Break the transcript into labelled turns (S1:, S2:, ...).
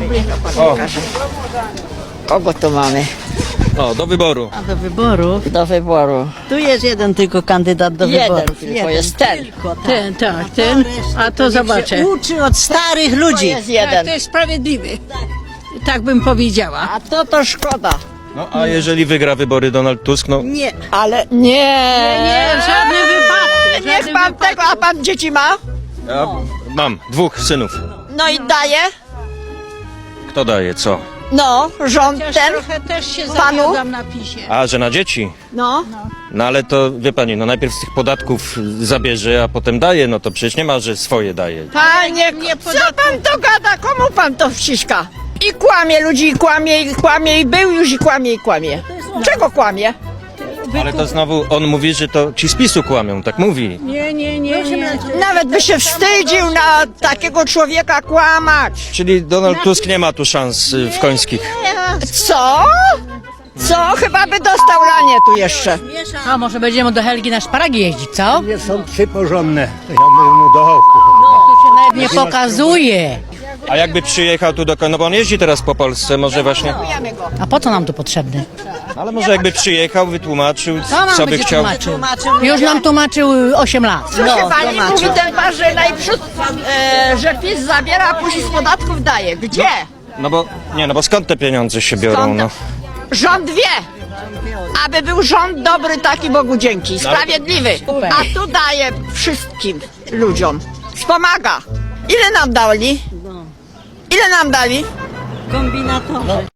S1: O,
S2: Kogo tu mamy?
S1: o, do wyboru.
S3: A do wyborów?
S2: Do wyboru.
S3: Tu jest jeden tylko kandydat do
S2: Jeden
S3: wyborów.
S2: tylko jest ten.
S3: Tylko, tak.
S4: Ten, tak, ten. A to zobaczę.
S3: Uczy od starych
S2: To
S3: ludzi.
S2: jest
S4: Tak,
S2: jeden.
S4: to jest sprawiedliwy. Tak bym powiedziała.
S2: A to szkoda.
S1: No, a jeżeli wygra wybory Donald Tusk, no
S3: Nie.
S2: Ale nie.
S4: Nie, w żadnym wypadku. w
S2: Niech
S4: żadnym
S2: pan
S4: wypadku.
S2: tego, a pan dzieci ma?
S1: ja mam 2 synów.
S2: No i daje?
S1: Kto daje co?
S2: No, rząd
S4: Chociaż
S2: ten.
S4: trochę też się
S2: Panu?
S4: zawiodam na PiSie.
S1: A, że na dzieci?
S2: No.
S1: No ale to, wie pani, no najpierw z tych podatków zabierze, a potem daje, no to przecież nie ma, że swoje daje.
S2: Panie, co pan to gada? Komu pan to wciska? I kłamie ludzi, i kłamie, i był już, i kłamie. Czego kłamie?
S1: Ale to znowu on mówi, że to ci z PiS-u kłamią, tak mówi.
S4: Nie.
S2: Nawet by się wstydził na takiego człowieka kłamać.
S1: Czyli Donald Tusk nie ma tu szans w końskich.
S2: Co? Co? Chyba by dostał lanie tu jeszcze.
S4: A może będziemy do Helgi na szparagi jeździć, co?
S5: Nie są trzy porządne. To ja mówię mu do oku.
S4: To się nawet nie pokazuje.
S1: A jakby przyjechał tu no bo on jeździ teraz po Polsce, może właśnie,
S4: A po co nam tu potrzebny?
S1: ale może jakby przyjechał, wytłumaczył,
S4: Co nam
S1: co by
S4: będzie
S1: chciał.
S4: tłumaczył? Już nam tłumaczył 8 lat.
S2: Proszę pani, mówi ten pan, że najprzód, że PiS zabiera, a później z podatków daje. Gdzie?
S1: No bo skąd te pieniądze się biorą, no?
S2: Rząd wie. Aby był rząd dobry, taki Bogu dzięki, sprawiedliwy. A tu daje wszystkim ludziom. Wspomaga. Ile nam dali? Ile nam dali?
S3: Kombinatorzy.